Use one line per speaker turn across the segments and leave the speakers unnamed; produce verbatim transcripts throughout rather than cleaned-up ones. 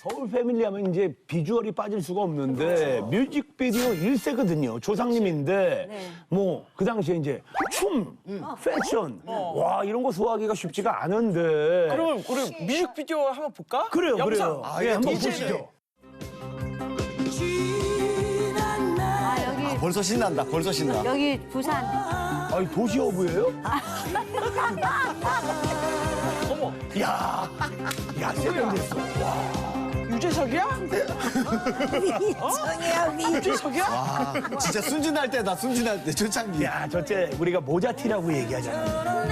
서울 패밀리 하면 이제 비주얼이 빠질 수가 없는데 뮤직비디오 일 세거든요. 조상님인데
네.
뭐 그 당시에 이제 춤, 패션 와 이런 거 소화하기가 쉽지가 않은데
그러면 우리 뮤직비디오 한번 볼까?
그래요,
영상.
그래요.
아,
예,
이게
한번
이제는-
보시죠.
아, 여기,
벌써 신난다. 벌써 신나.
여기 부산.
아니 도시어부예요?
어머,
야, 야 세련됐어.
유재석이야?
미정이야, 미.
유재석이야?
아, 진짜 순진할 때다. 순진할 때 초창기.
야, 저때 우리가 모자티라고 얘기하잖아.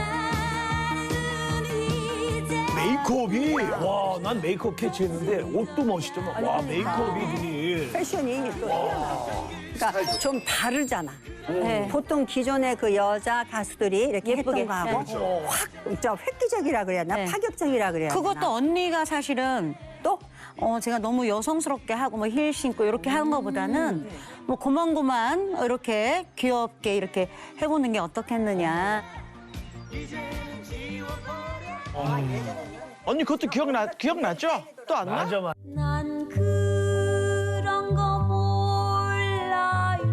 메이크업이 와, 난 메이크업 캐치했는데 옷도 멋있죠. 막. 와, 메이크업이 눈이.
패션이 또 그러니까 좀 다르잖아.
네.
보통 기존의 그 여자 가수들이 이렇게
예쁘게.
했던 거하고
네.
확 진짜 획기적이라 그래야 되나?
네.
파격적이라 그래야 되나?
그것도 언니가 사실은 또 어, 제가 너무 여성스럽게 하고 뭐 힐 신고 이렇게 하는 것보다는 뭐 고만고만 이렇게 귀엽게 이렇게 해보는 게 어떻겠느냐.
언니 그것도 기억나, 기억나죠? 또 안 나?
맞아, 맞아.
난 그런 거 몰라요.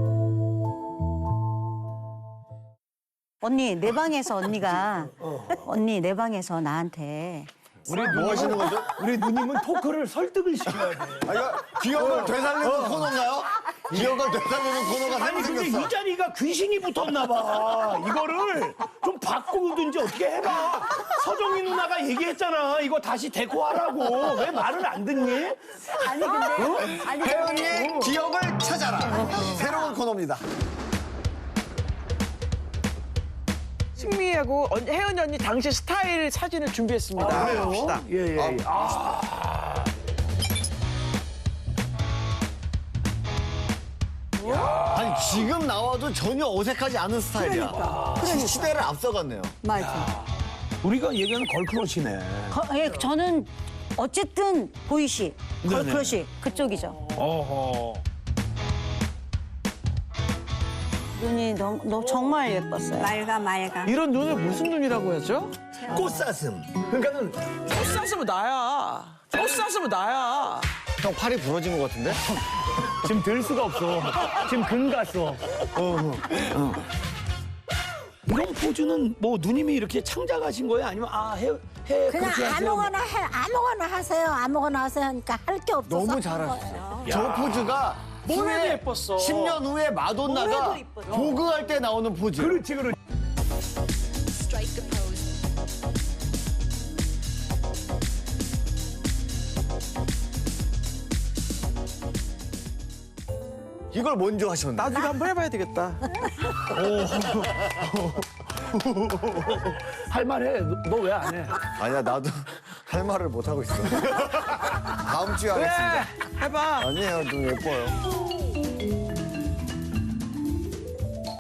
언니 내 방에서 언니가 언니 내 방에서 나한테
우리
뭐 하시는 거죠?
우리 누님은 토크를 설득을 시켜야 돼.
아, 이거 기억을 되살리는 코너인가요? 기억을 되살리는 코너가
아니
새로
근데
생겼어.
이 자리가 귀신이 붙었나 봐. 이거를 좀 바꾸든지 어떻게 해봐. 서정희 누나가 얘기했잖아. 이거 다시 데코하라고. 왜 말을 안 듣니?
아니 근데 아니
혜연이의 기억을 찾아라. 새로운 코너입니다.
승미하고 언- 혜연이 언니 당시 스타일 사진을 준비했습니다. 봅시다.
예, 예. 예. 아,
아니 지금 나와도 전혀 어색하지 않은 스타일이야.
그러니까.
시- 시대를 앞서갔네요.
맞아.
우리가 얘기하는 걸크러시네.
거, 예, 저는 어쨌든 보이시 걸크러쉬 그쪽이죠.
어허.
눈이 너무, 너무 정말 예뻤어요.
맑아 맑아.
이런 눈을 무슨 눈이라고 하죠?
꽃사슴. 그러니까는
꽃 샀으면 나야. 꽃 샀으면 나야.
형 팔이 부러진 것 같은데?
지금 들 수가 없어. 지금 근 갔어. 어, 어. 이런 포즈는 뭐 누님이 이렇게 창작하신 거예요? 아니면 아, 해, 해
그냥
그렇게 하세요?
아무거나 해, 아무거나 하세요, 아무거나 하세요 하니까 할 게 없어서
너무
한
잘하셨어요.
거예요.
저 포즈가
뭐래도
후에
예뻤어.
십 년 후에 마돈나가 보그할 때 나오는 포즈.
그렇지, 그렇지.
이걸 먼저 하셨네.
나중에 한번 해봐야 되겠다.
할 말해. 너 왜 안 해?
아니야 나도 할 말을 못 하고 있어. 다음 주에 하겠습니다.
해봐.
아니에요, 좀 예뻐요.